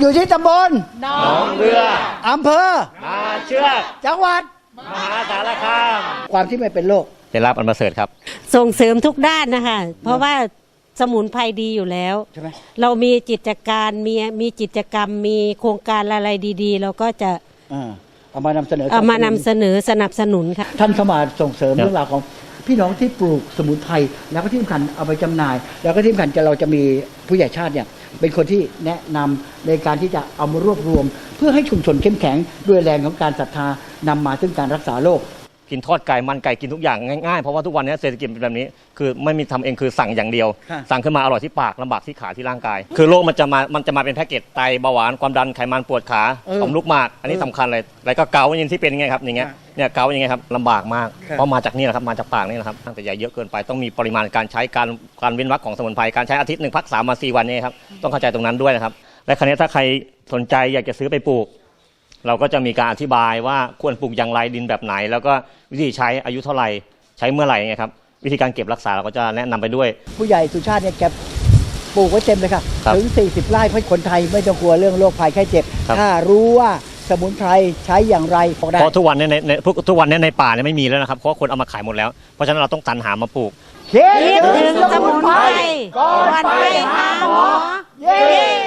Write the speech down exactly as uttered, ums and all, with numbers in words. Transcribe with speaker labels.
Speaker 1: อยู่ที่ตำบล
Speaker 2: หนองเรือ
Speaker 1: อำเภอ
Speaker 2: นาเชือก
Speaker 1: จังหวัด
Speaker 2: มหาสารคาม
Speaker 1: ความที่ไม่เป็นโรค
Speaker 2: ได้รับอันประเสริฐครับ
Speaker 3: ส่งเสริมทุกด้านนะคะเพราะว่าสมุนไพรดีอยู่แล้ว
Speaker 1: ใช่ไหม
Speaker 3: เรามีกิจการมีมีกิจกรรมมีโครงการอะไรดีๆเราก็จะ
Speaker 1: เอามานำเสนอ
Speaker 3: เอามานำเสนอสนับสนุนค่ะ
Speaker 1: ท่านเข้ามาส่งเสริมเรื่องราวของพี่น้องที่ปลูกสมุนไพรแล้วก็ที่สำคัญเอาไปจำหน่ายแล้วก็ที่สำคัญจะเราจะมีผู้ใหญ่ชาติเนี่ยเป็นคนที่แนะนำในการที่จะเอามารวบรวมเพื่อให้ชุมชนเข้มแข็งด้วยแรงของการศรัทธานำมาซึ่งการรักษาโรค
Speaker 2: กินทอดไก่มันไก่กินทุกอย่างง่ายๆเพราะว่าทุกวันนี้เศรษฐกิจเป็นแบบนี้คือไม่มีทำเองคือสั่งอย่างเดียวสั่งขึ้นมาอร่อยที่ปากลำบากที่ขาที่ร่างกายคือโรคมันจะมามันจะมาเป็นแพ็กเกจไตเบาหวานความดันไขมันปวดขาต่อมลูกหมากอันนี้สำคัญเลยแล้วก็เกาต์อย่างที่เป็นไงครับอย่างเงี้ยเนี่ยเกาต์ยังไงครับลำบากมากเพราะมาจากนี่แหละครับมาจากปากนี่แหละครับตั้งแต่ใหญ่เยอะเกินไปต้องมีปริมาณการใช้การการเว้นวรรคของสมุนไพรการใช้อาทิตย์หนึ่งพักสามมาสี่วันนี้ครับต้องเข้าใจตรงนั้นด้วยนะครับและคราวนี้ถ้าใครสนใจอยากจะซื้อไปปลูกเราก็จะมีการอธิบายว่าควรปลูกอย่างไรดินแบบไหนแล้วก็วิธีใช้อายุเท่าไหร่ใช้เมื่อไหร่ไงครับวิธีการเก็บรักษาเราก็จะแนะนำไปด้วย
Speaker 1: ผู้ใหญ่สุชาติเนี่ยแกปลูกไว้เต็มเลยค่ะถึงสี่สิบไร่เพราะคนไทยไม่ต้องกลัวเรื่องโรคภัยไข้เจ็บถ้ารู้ว่าสมุนไพรใช้อย่างไร
Speaker 2: เพราะทุกวันนี้ในทุกวันนี้ในป่าเนี่ยไม่มีแล้วนะครับเพราะคนเอามาขายหมดแล้วเพราะฉะนั้นเราต้องสรรหามาปลูก
Speaker 3: คิดถึงสมุนไพรก่อนไปหาหมอเย้